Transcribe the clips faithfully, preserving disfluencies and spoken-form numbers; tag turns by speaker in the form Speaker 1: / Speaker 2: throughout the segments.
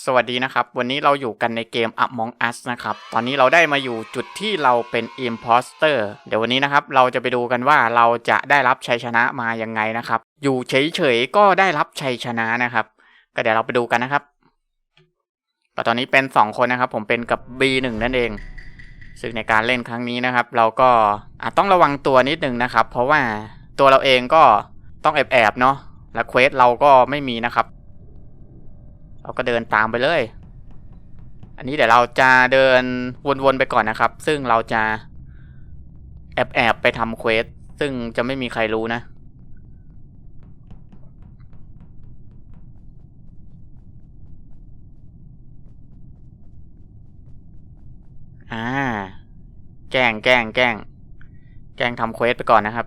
Speaker 1: วัสดีนะครับวันนี้เราอยู่กันในเกม Among Us นะครับตอนนี้เราได้มาอยู่จุดที่เราเป็น Imposter เดี๋ยววันนี้นะครับเราจะไปดูกันว่าเราจะได้รับชัยชนะมายังไงนะครับอยู่เฉยๆก็ได้รับชัยชนะนะครับก็เดี๋ยวเราไปดูกันนะครับก็ตอนนี้เป็นสองคนนะครับผมเป็นกับ บี หนึ่ง นั่นเองซึ่งในการเล่นครั้งนี้นะครับเราก็อาจต้องระวังตัวนิดนึงนะครับเพราะว่าตัวเราเองก็ต้องแอบๆเนาะและเควสเราก็ไม่มีนะครับเราก็เดินตามไปเลยอันนี้เดี๋ยวเราจะเดินวนๆไปก่อนนะครับซึ่งเราจะแอบๆไปทำเควสซึ่งจะไม่มีใครรู้นะอ่าแกล้งแกล้งแกล้งแกล้งทำเควสไปก่อนนะครับ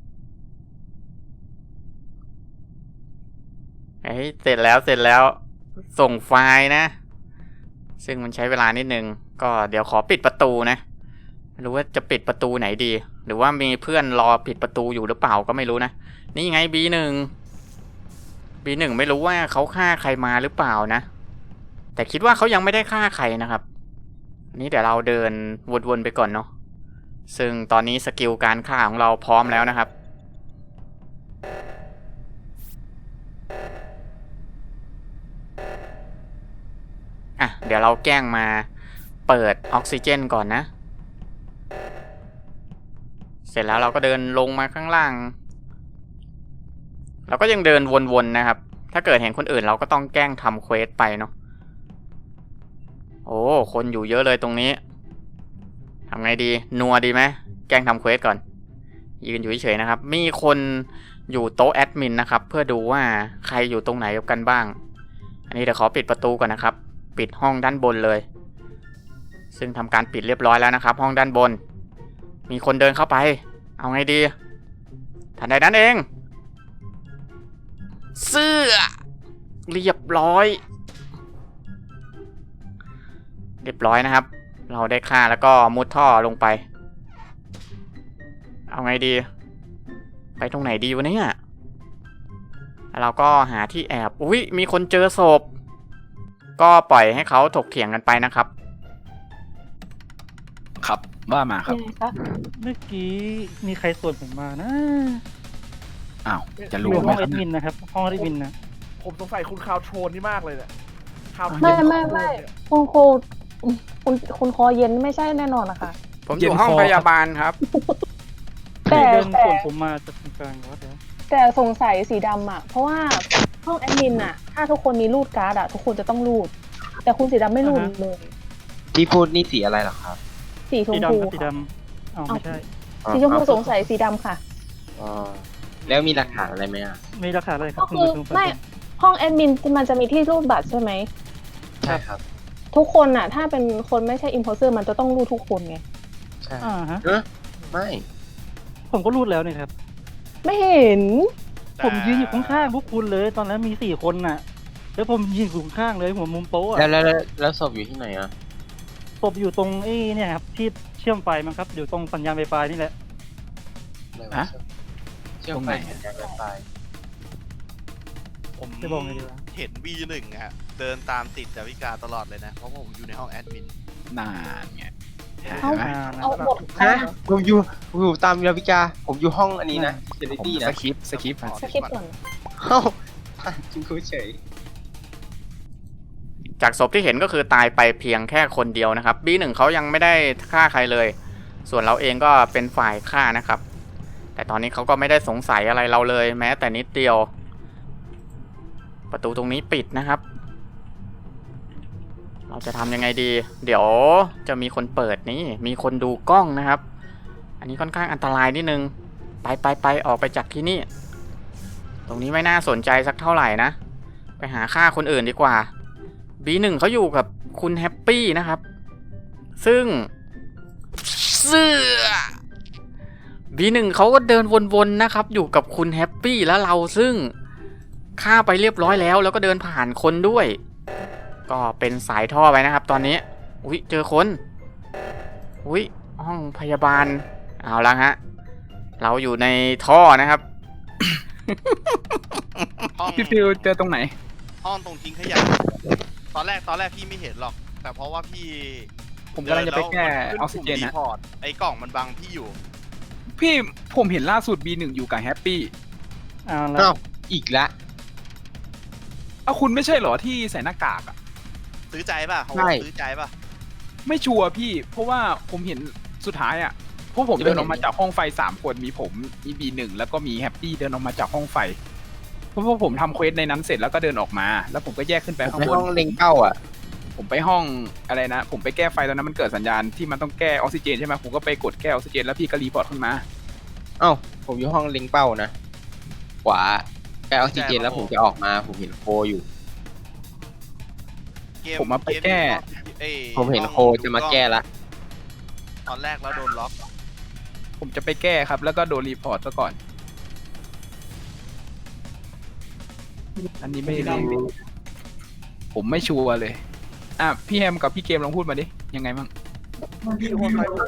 Speaker 1: เฮ้ยเสร็จแล้วเสร็จแล้วส่งไฟล์นะซึ่งมันใช้เวลานิดนึงก็เดี๋ยวขอปิดประตูนะไม่รู้ว่าจะปิดประตูไหนดีหรือว่ามีเพื่อนรอปิดประตูอยู่หรือเปล่าก็ไม่รู้นะนี่ไง บี หนึ่ง บี หนึ่ง ไม่รู้ว่าเขาฆ่าใครมาหรือเปล่านะแต่คิดว่าเขายังไม่ได้ฆ่าใครนะครับนี่เดี๋ยวเราเดินวนๆไปก่อนเนาะซึ่งตอนนี้สกิลการฆ่าของเราพร้อมแล้วนะครับอ่ะเดี๋ยวเราแกล้งมาเปิดออกซิเจนก่อนนะเสร็จแล้วเราก็เดินลงมาข้างล่างเราก็ยังเดินวนๆนะครับถ้าเกิดเห็นคนอื่นเราก็ต้องแกล้งทำเควสไปเนาะโอ้คนอยู่เยอะเลยตรงนี้ทำไงดีนัวดีไหมแกล้งทำเควสก่อนยืนอยู่เฉยๆนะครับมีคนอยู่โต๊ะแอดมินนะครับเพื่อดูว่าใครอยู่ตรงไหนกันบ้างอันนี้เดี๋ยวขอปิดประตูก่อนนะครับปิดห้องด้านบนเลยซึ่งทำการปิดเรียบร้อยแล้วนะครับห้องด้านบนมีคนเดินเข้าไปเอาไงดีทันใดนั้นเองเสื้อเรียบร้อยเรียบร้อยนะครับเราได้ฆ่าแล้วก็มุดท่อลงไปเอาไงดีไปตรงไหนดีวะเนี่ยเราก็หาที่แอบอุ้ยมีคนเจอศพก็ปล่อยให้เขาถกเถียงกันไปนะครับ
Speaker 2: ครับว่ามาครับ
Speaker 3: เมื่อกี้มีใครส่วนผมมานะ
Speaker 2: อ้าวจะ
Speaker 3: อ
Speaker 2: รู้
Speaker 3: ยู่
Speaker 2: ไหม
Speaker 3: ห้อง
Speaker 2: ค
Speaker 3: แอ
Speaker 2: รับ
Speaker 3: ดมินนะครับห้องแอดมินนะ
Speaker 4: ผมสงสัยคุณคาวโทนนี่มากเลยเนี่ยคาวโทน
Speaker 5: ไม่ไม่ไม่คุณครูคุณคุณคอเย็นไม่ใช่แน่นอนนะคะ
Speaker 1: ผมอยู่ห้องพยาบาลครับ
Speaker 3: แต่
Speaker 5: แต่
Speaker 3: เดิน
Speaker 5: แต่
Speaker 3: ส่วนผมมาจากตรงกลางวัดแล้ว
Speaker 5: แต่สงสัยสีดำอ่ะเพราะว่าห้องแอดมินอ่ะถ้าทุกคนมีรูดการ์ดอ่ะทุกคนจะต้องรูด แต่คุณสีดำไม่รูดเลย
Speaker 6: ที่พูดนี่สีอะไรเหรอครับ
Speaker 5: สีช
Speaker 3: สี
Speaker 5: มพู
Speaker 3: ดำครับสี
Speaker 5: ค่ะ
Speaker 3: ดำอ้าวไม่ใช่
Speaker 5: สีชมพูสงสัยสีดำค่ะ
Speaker 6: อ๋อแล้วมีหลักฐานอะไรไหมอ่ะ
Speaker 3: มีราคาอะไรครั
Speaker 5: ก็
Speaker 3: บคุณ
Speaker 5: คือ
Speaker 3: ผู้ชม
Speaker 5: ไม่ห้องแอดมินมันจะมีที่รูดบัตรใช่ไหม
Speaker 6: ใช่ครับ
Speaker 5: ทุกคนอ่ะ ถ้าเป็นคนไม่ใช่อิมโพสเตอร์มันจะต้องรูดทุกคนไง
Speaker 6: ใช่
Speaker 3: อ่าฮะ
Speaker 6: เออไม่
Speaker 3: ผมก็รูดแล้วนี่ครับ
Speaker 5: ไม่เห็น
Speaker 3: ผมยืนอยู่ข้างๆพวกคุณเลยตอนนั้นมีสี่คนน่ะ แล้วผมยืนอยู่ข้างๆเลยหัวมุมโต๊ะอะ
Speaker 6: แล้วแล้วแล้วแล้วศพอยู่ที่ไหนอ่ะ
Speaker 3: ศพอยู่ตรงไอ้เนี่ยครับที่เชื่อมไฟมั้งครับอยู่ตรงสัญญาณไฟฟ้านี่แหละ
Speaker 6: อะไรว
Speaker 2: ฮะ
Speaker 6: เชื่อม
Speaker 2: ตรง
Speaker 6: ไฟ
Speaker 2: ไหน
Speaker 6: สัญญาณไวไฟ
Speaker 7: ผม
Speaker 3: จะบอกไงดีวะ
Speaker 7: เห็น บี หนึ่ง ฮะ เดินตามติดดาวิกาตลอดเลยนะ เพราะผมอยู่ในห้องแอดมิน
Speaker 2: นานไง
Speaker 5: เอ้า
Speaker 2: เห็นไหม
Speaker 3: อ่านะ
Speaker 5: เอาบท
Speaker 6: ฮะผมอยู่ผมอยู่ตามยาวิกาผมอยู่ห้องอันนี้นะเซ
Speaker 2: ผม
Speaker 6: ตี้
Speaker 2: ส
Speaker 6: นะ
Speaker 2: คริปต์สคริปต์
Speaker 5: สคริปต์ก่อน
Speaker 6: เอ้าจริงคุยเฉย
Speaker 1: จากศพที่เห็นก็คือตายไปเพียงแค่คนเดียวนะครับ บี หนึ่ง เขายังไม่ได้ฆ่าใครเลยส่วนเราเองก็เป็นฝ่ายฆ่านะครับแต่ตอนนี้เขาก็ไม่ได้สงสัยอะไรเราเลยแม้แต่นิดเดียวประตูตรงนี้ปิดนะครับเราจะทำยังไงดีเดี๋ยวจะมีคนเปิดนี่มีคนดูกล้องนะครับอันนี้ค่อนข้างอันตรายนิดนึงไปไปไปออกไปจากที่นี่ตรงนี้ไม่น่าสนใจสักเท่าไหร่นะไปหาฆ่าคนอื่นดีกว่า บี หนึ่ง เขาอยู่กับคุณแฮปปี้นะครับซึ่งเสื้อ บี หนึ่ง เขาก็เดินวนๆนะครับอยู่กับคุณแฮปปี้แล้วเราซึ่งฆ่าไปเรียบร้อยแล้วแล้วก็เดินผ่านคนด้วยก็เป็นสายท่อไปนะครับตอนนี้อุ๊ยเจอคนอุ๊ยห้องพยาบาลเอาละฮะเราอยู่ในท่อนะครับ
Speaker 7: ห้อง
Speaker 2: พี่ฟิวเจอตรงไหน
Speaker 7: ห้องตรงทิ้งขยะตอนแรกตอนแรกพี่ไม่เห็นหรอก แต่เพราะว่าพี่
Speaker 2: ผมกำลังจะไปแก้ออกซิเจน
Speaker 7: รี
Speaker 2: นะ
Speaker 7: พอร์ตไอ้กล่องมันบังพี่อยู่
Speaker 2: พี่ผมเห็นล่าสุด บี หนึ่ง อยู่กับแฮปปี้
Speaker 3: เอาละ
Speaker 6: อ้าวอีกละ
Speaker 2: เอ้าคุณไม่ใช่เหรอที่ใส่หน้ากากอะ
Speaker 7: ซื้อใจป่ะเขา
Speaker 6: ใช่
Speaker 7: ซื้อใจป่ะ
Speaker 2: ไม่ชัวร์พี่ เพราะว่าผมเห็นสุดท้ายอะพวกผมเดินออกมาจากห้องไฟสามคนมีผมมี บี หนึ่ง แล้วก็มีแฮปปี้เดินออกมาจากห้องไฟเพราะว่าผมทำเควสในนั้นเสร็จแล้วก็เดินออกมา แล้วผมก็แยกขึ้นไปข้าง
Speaker 6: ใน
Speaker 2: บน
Speaker 6: ห้องเล็งเป้าอ่ะ
Speaker 2: ผมไปห้องอะไรนะ ผมไปแก้ไฟตอนนั้นมันเกิดสัญญาณที่มันต้องแก้ออกซิเจนใช่ไหมผมก็ไปกดแก้ออกซิเจนแล้วพี่ก็รีพอร์ตขึ้นมา
Speaker 6: เอ้าผมอยู่ห้องเล็งเป้านะขวาแก้ออกซิเจนแล้วผมจะออกมาผมเห็นโคอยู่
Speaker 7: เก
Speaker 2: ผมมาไปแก้
Speaker 7: เอ้ย
Speaker 6: ผมเห็นโคจะมาแก้ละ
Speaker 7: ตอนแรกแล้วโดนล็อก
Speaker 2: ผมจะไปแก้ครับ แล้วก็โดนรีพอร์ตซะก่อน อันนี้ไม่รู้ผมไม่ชัวร์เลย อ่ะพี่แฮมกับพี่เกมลองพูดมาดิ ยังไงบ้าง
Speaker 4: พี่อยู่ห้องใครวะ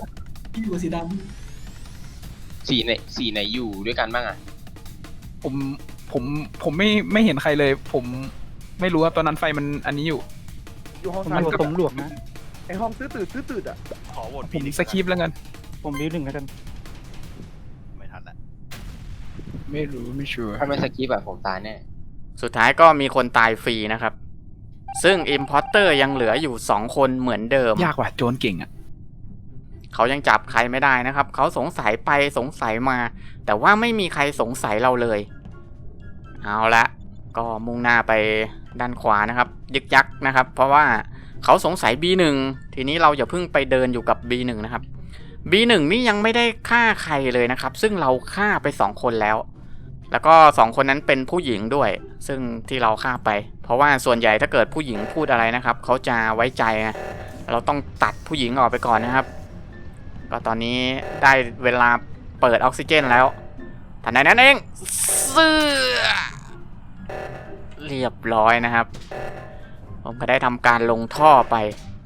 Speaker 6: สีไหนสีไหนอยู่ด้วยกันบ้างอ่ะ
Speaker 2: ผมผมผมไม่ไม่เห็นใครเลย ผมไม่รู้ว่าตอนนั้นไฟมันอันนี้อยู่
Speaker 4: อยู่ห้อง
Speaker 3: ผม
Speaker 4: ซ้าย
Speaker 3: อยู่กับผมหลวกนะ
Speaker 4: ไอห้องตื้อตืดตื้อตืดอ่ะ
Speaker 7: ขอโหวต
Speaker 2: ผม
Speaker 7: พี่หนึ่ง
Speaker 2: สคริปต์แล้วกัน
Speaker 3: ผมบิวหนึ่งแล้วกัน
Speaker 7: ไม่ทันละ
Speaker 2: ไม่รู้ไม่ชัวร์
Speaker 6: ถ้าไม่สกิปอะผมตายแน่
Speaker 1: สุดท้ายก็มีคนตายฟรีนะครับ ซึ่ง Imposter ยังเหลืออยู่สองคนเหมือนเดิม
Speaker 2: ยากว่ะโจรเก่งอ่ะ
Speaker 1: เขายังจับใครไม่ได้นะครับ เขาสงสัยไปสงสัยมา แต่ว่าไม่มีใครสงสัยเราเลย เอาละก็มุ่งหน้าไปด้านขวานะครับ ยึกยักนะครับ เพราะว่าเขาสงสัย บี หนึ่ง ทีนี้เราอย่าเพิ่งไปเดินอยู่กับ บี หนึ่ง นะครับ บี หนึ่ง นี่ยังไม่ได้ฆ่าใครเลยนะครับ ซึ่งเราฆ่าไปสองคนแล้ว แล้วก็สองคนนั้นเป็นผู้หญิงด้วย ซึ่งที่เราฆ่าไป เพราะว่าส่วนใหญ่ถ้าเกิดผู้หญิงพูดอะไรนะครับเขาจะไว้ใจไงเราต้องตัดผู้หญิงออกไปก่อนนะครับ ก็ตอนนี้ได้เวลาเปิดออกซิเจนแล้วทันใดนั้นเองเสื้อเรียบร้อยนะครับ ผมก็ได้ทำการลงท่อไป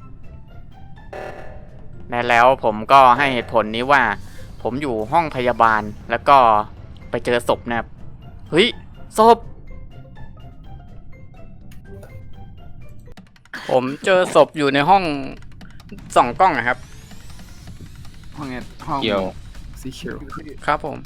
Speaker 1: และแล้วผมก็ให้เหตุผลนี้ว่า ผมอยู่ห้องพยาบาลแล้วก็ไปเจอศพนะครับเฮ้ยศพผมเจอศพอยู่ในห้องส่องกล้องนะครับ
Speaker 2: ห้องเนี้ยห้อง
Speaker 6: เกี่ยว
Speaker 2: สีเขียว
Speaker 1: ครับผม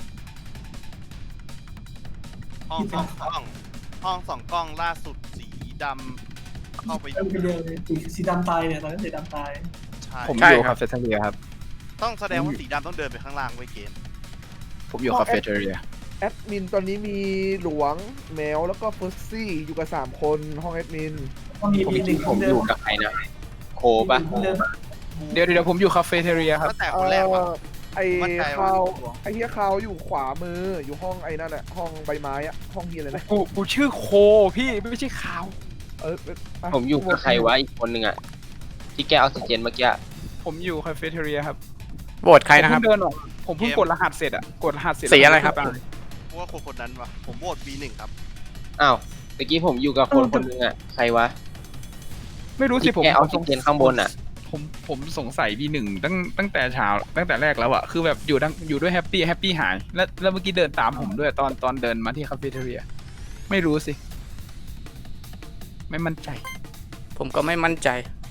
Speaker 7: ห้องสองกล้อง ห้องสองกล้องล่าสุดสีดำเข้าไปดู
Speaker 8: ไปเดินสีสีดำตายเนี่ยตอนนั้นสีดำตาย
Speaker 7: ใช่
Speaker 2: ผม
Speaker 1: ใช่
Speaker 2: อยู่
Speaker 1: ครั
Speaker 2: คา
Speaker 1: บ
Speaker 2: เฟ่เทเรียครับ
Speaker 7: ต้องแสดงว่าสีดำต้องเดินไปข้างล่างไว้เกม
Speaker 2: ผมอยู่คาเฟ่เทเรีย
Speaker 4: แอดมินตอนนี้มีหลวงแมวแล้วก็เฟิร์สซี่อยู่กับสามคนห้องแอดมิน
Speaker 8: ก็มี
Speaker 6: ผม
Speaker 8: มีหนึ่ง
Speaker 6: ผม
Speaker 8: เดิ
Speaker 6: อยู่
Speaker 8: ม
Speaker 6: กับใครนะ โคปะ
Speaker 8: เดิม
Speaker 2: เดี๋ยวเดี๋ยวผมอยู่คาเฟ่เทเรียครับ
Speaker 7: ตั้งแต่คนแรกว่ะ
Speaker 4: เอ่อไอ้
Speaker 7: มั่นใจว่า
Speaker 4: คาวไอ้เฮียคาวอยู่ขวามืออยู่ห้องไอ้นั่นแหละห้องใบไม้อะห้องเฮียอะไรนะ
Speaker 2: กูกูชื่อโคพี่ไม่ใช่ขาว
Speaker 4: เออไป
Speaker 6: ผมอยู่กับใครวะอีกคนหนึ่งอ่ะ ที่แก้ออกซิเจนเมื่อกี้
Speaker 2: ผมอยู่คาเฟ่เทเรียครับ
Speaker 1: โหวตใครนะครับ
Speaker 2: ผมเพิ่งเดินออกผมเพิ่งกดรหัสเสร็จอะกดรหัสเสร็จ
Speaker 1: สีอะไรครับ
Speaker 2: แล้วผมก็ตาย
Speaker 7: เพราะว่าคนคนนั้นว่ะ ผมโหวต บี หนึ่ง ครับ
Speaker 6: อ้าวเมื่อกี้ผมอยู่กับคนคนหนึ่งอ่ะ ใครวะ
Speaker 2: ไม่รู้สิ
Speaker 6: ที่
Speaker 2: ผม
Speaker 6: แก้ออกซิเจนข้างบนอ่ะ
Speaker 2: ผมผมสงสัยบีหนึ่งตั้งตั้งแต่เช้าตั้งแต่แรกแล้วอะคือแบบอยู่ดังอยู่ด้วยแฮปปี้แฮปปี้หายแล้วแล้วเมื่อกี้เดินตามผมด้วยตอนตอนเดินมาที่คาเฟ่เทเรียไม่รู้สิ ไม่มั่นใจ
Speaker 1: ผมก็ไม่มั่นใจ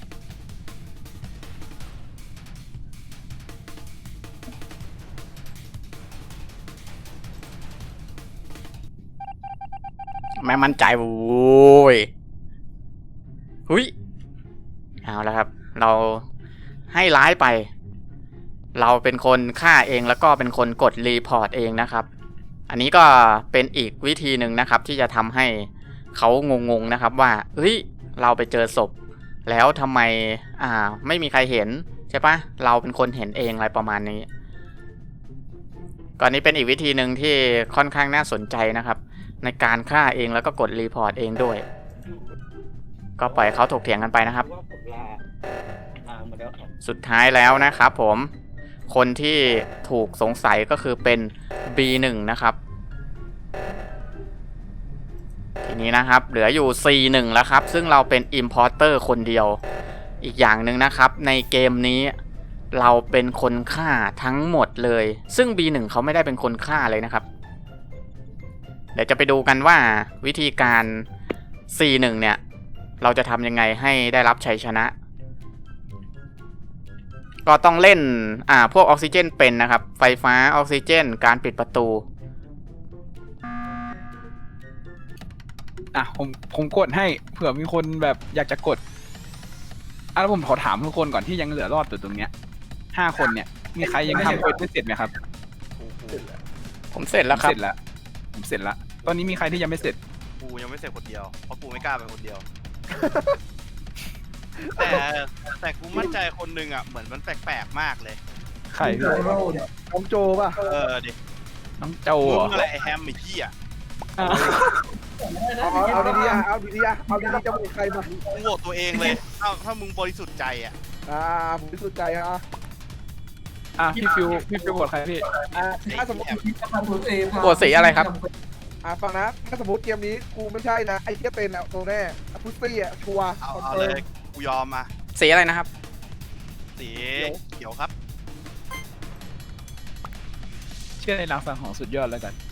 Speaker 1: ไม่มั่นใจโว้ยหุยเอาแล้วครับ เราให้ร้ายไป เราเป็นคนฆ่าเองแล้วก็เป็นคนกดรีพอร์ตเองนะครับ อันนี้ก็เป็นอีกวิธีหนึ่งนะครับ ที่จะทำให้เขางงๆนะครับว่าเฮ้ยเราไปเจอศพ แล้วทำไมอ่าไม่มีใครเห็นใช่ปะเราเป็นคนเห็นเองอะไรประมาณนี้ก่อนนี้เป็นอีกวิธีหนึ่งที่ค่อนข้างน่าสนใจนะครับ ในการฆ่าเองแล้วก็กดรีพอร์ตเองด้วย ก็ปล่อยเขาถกเถียงกันไปนะครับ สุดท้ายแล้วนะครับผมคนที่ถูกสงสัยก็คือเป็น บี หนึ่ง นะครับทีนี้นะครับเหลืออยู่ ซี หนึ่ง แล้วครับซึ่งเราเป็น Importer คนเดียวอีกอย่างหนึ่งนะครับในเกมนี้เราเป็นคนฆ่าทั้งหมดเลยซึ่ง บี หนึ่ง เขาไม่ได้เป็นคนฆ่าเลยนะครับเดี๋ยวจะไปดูกันว่าวิธีการ ซี หนึ่ง เนี่ยเราจะทำยังไงให้ได้รับชัยชนะ ก็ต้องเล่นอ่าพวกออกซิเจนเป็นนะครับไฟฟ้าออกซิเจนการปิดประตู
Speaker 2: อ่ะผมผมกดให้เผื่อมีคนแบบอยากจะกดอ่ะแล้วผมขอถามทุกคนก่อนที่ยังเหลือรอดอยู่ตรงเนี้ยห้าคนเนี่ยมีใครยังทำเควสไม่เสร็จไหมครับ
Speaker 1: ผมเสร็จแล้วครับ
Speaker 2: เสร็จแล้วผมเสร็จแล้วตอนนี้มีใครที่ยังไม่เสร็จ
Speaker 7: กูยังไม่เสร็จคนเดียวเพราะกูไม่กล้าไปคนเดียว แต่แต่กูมั่นใจคนหนึงอ่ะเหมือนมันแปลกๆมากเลย
Speaker 2: ใคร
Speaker 8: โจโร่เนี่ย
Speaker 4: น้องโจป่ะ
Speaker 7: เออดิ
Speaker 2: น้องโจ
Speaker 7: มึ
Speaker 2: เหรอง
Speaker 7: อะไรไอ้แฮมไอ้ขี้อ่ะ
Speaker 2: อ่ะ
Speaker 4: เอาเอาเอาดีๆอ่ะเอาดีๆอ่ะเอาดีๆจะโหวตใครมา
Speaker 7: มึงโหวตตัวเองเลยถ้าถ้ามึงบริสุทธิ์ใจอ่ะ
Speaker 4: อ่าผมบริสุทธิ์ใจอ่ะ
Speaker 2: อ่ะพี่ฟิวพี่ฟิวกดใครพี่
Speaker 4: อ่าถ้าสมมติ
Speaker 8: ทำตัวเอง
Speaker 1: โหวตสีอะไรครับ
Speaker 4: อ่าฟังนะถ้าสมมติเกมนี้กูไม่ใช่นะไอ้เหี้ยเป็นอ่ะตัวแน่อ่ะพุตตี้อ่ะชัวร์
Speaker 7: เอา
Speaker 4: คอน
Speaker 7: เอา
Speaker 4: เฟิ
Speaker 7: เล
Speaker 4: ร์ม
Speaker 7: ยกูยอมอ่ะ
Speaker 1: สีอะไรนะครับ
Speaker 7: สีเขียวครับ
Speaker 2: เชื่อในรางสังหรณ์สุดยอดแล้วกัน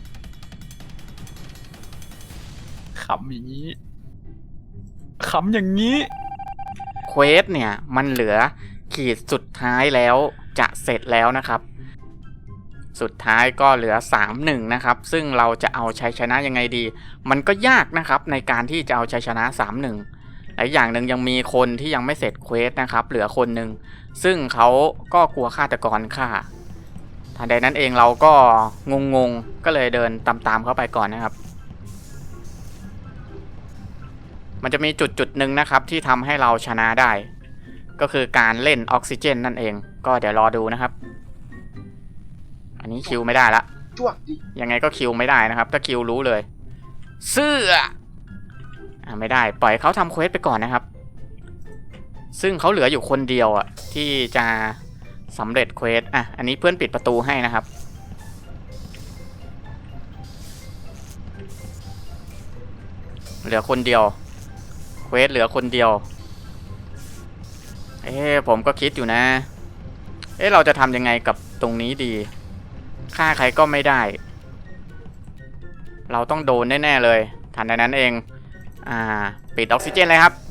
Speaker 2: ขำอย่างนี้ขำอย่างนี้
Speaker 1: เควสเนี่ยมันเหลือขีดสุดท้ายแล้วจะเสร็จแล้วนะครับ สุดท้ายก็เหลือ สามหนึ่ง นะครับซึ่งเราจะเอาชัยชนะยังไงดี มันก็ยากนะครับในการที่จะเอาชัยชนะ สามหนึ่ง และอย่างหนึ่งยังมีคนที่ยังไม่เสร็จเควสนะครับเหลือคนหนึ่งซึ่งเขาก็กลัวฆาตกรฆ่าทันใดนั้นเองเราก็งงๆก็เลยเดินตามๆเข้าไปก่อนนะครับ มันจะมีจุดจุดหนึ่งนะครับที่ทำให้เราชนะได้ ก็คือการเล่นออกซิเจนนั่นเองก็เดี๋ยวรอดูนะครับ อันนี้คิวไม่ได้ละ
Speaker 6: จ้วงดิ
Speaker 1: ยังไงก็คิวไม่ได้นะครับถ้าคิวรู้เลยเสื้ออ่าไม่ได้ปล่อยเขาทำเควสไปก่อนนะครับ ซึ่งเขาเหลืออยู่คนเดียวอ่ะที่จะสำเร็จเควสอ่ะอันนี้เพื่อนปิดประตูให้นะครับ เหลือคนเดียวเควสเหลือคนเดียวเอ๊ะผมก็คิดอยู่นะเอ๊ะเราจะทำยังไงกับตรงนี้ดีฆ่าใครก็ไม่ได้ เราต้องโดนแน่ๆเลยทันใดนั้นเองอ่าปิดออกซิเจนเลยครับ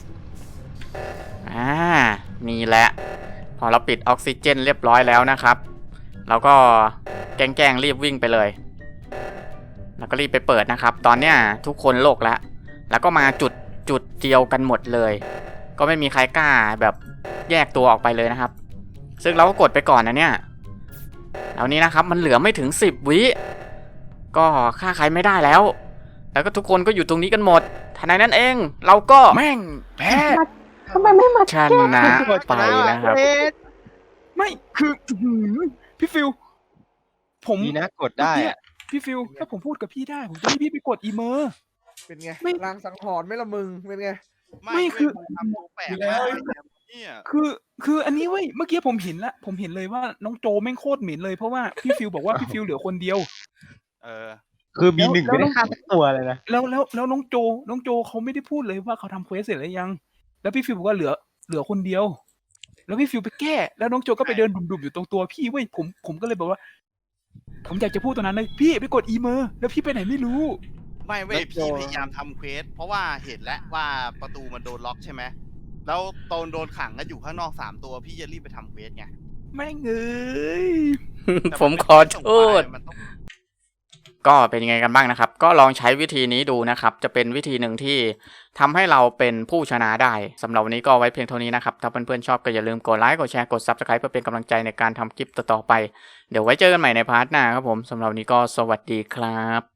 Speaker 1: อ่านี่แหละพอเราปิดออกซิเจนเรียบร้อยแล้วนะครับเราก็แกล้งๆรีบวิ่งไปเลยแล้วก็รีบไปเปิดนะครับตอนเนี้ยทุกคนโลกแล้วแล้วก็มาจุดจุดเดียวกันหมดเลยก็ไม่มีใครกล้าแบบแยกตัวออกไปเลยนะครับซึ่งเราก็กดไปก่อนนะเนี่ยแล้วนี้นะครับมันเหลือไม่ถึงสิบวิก็ฆ่าใครไม่ได้แล้วแล้วก็ทุกคนก็อยู่ตรงนี้กันหมดทันใดนั้นเองเราก็
Speaker 2: แม่งแพ้
Speaker 5: ทำไมไม่มา
Speaker 1: ชนะไปนะครับ
Speaker 2: ไม่คืออื้อหือพี่ฟิวผม
Speaker 6: ดีนะกดได้อะ
Speaker 2: พี่ฟิวถ้าผมพูดกับพี่ได้ผมจะให้พี่ไปกดอีเมอร์
Speaker 4: เป็นไง
Speaker 2: ไม่
Speaker 4: ลางสังหรณ์ไหม่ละมึงเป็นไง
Speaker 2: ไม่คือ
Speaker 7: เว้ยงทำตัวแปลกมากเลยเนี่ย
Speaker 2: คือคืออันนี้เว้ยเมื่อกี้ผมเห็นละผมเห็นเลยว่าน้องโจแม่งโคตรเหม็นเลยเพราะว่าพี่ฟิวบอกว่าพี่ฟิวเหลือคนเดียว
Speaker 7: เออ
Speaker 6: คือบีหนึ่งไม่ได้ฆ่าสักตัวเลยนะ
Speaker 2: แล้วแล้วแล้วน้องโจน้องโจเขาไม่ได้พูดเลยว่าเขาทำเควสเสร็จแล้วยัง แล้วพี่ฟิวบอกว่าเหลือเหลือคนเดียว แล้วพี่ฟิวไปแก้ แล้วน้องโจก็ไปเดินดุ่มๆอยู่ตรงตัวพี่เว้ยผมผมก็เลยบอกว่า ผมอยากจะพูดตรงนั้นเลยพี่ไปกดอีเมอร์แล้วพี่ไปไหนไม่รู้
Speaker 7: ไม่เว้ยพี่พยายามทำเควสเพราะว่าเห็นแล้วว่าประตูมันโดนล็อกใช่ไหมแล้วตอนโดนขังก็อยู่ข้างนอกสามตัวพี่จะรีบไปทำเควสไง
Speaker 2: แม่งเอ้ย
Speaker 7: แต่
Speaker 1: ผมขอโทษ
Speaker 7: มันต้อง
Speaker 1: ก็เป็นยังไงกันบ้างนะครับก็ลองใช้วิธีนี้ดูนะครับจะเป็นวิธีหนึ่งที่ทำให้เราเป็นผู้ชนะได้สำหรับวันนี้ก็ไว้เพียงเท่านี้นะครับถ้าเพื่อนๆชอบก็อย่าลืมกดไลค์กดแชร์กด ซับสไครบ์ เพื่อเป็นกำลังใจในการทำคลิปต่อๆไปเดี๋ยวไว้เจอกันใหม่ในพาร์ทหน้าครับผมสำหรับวันนี้ก็สวัสดีครับ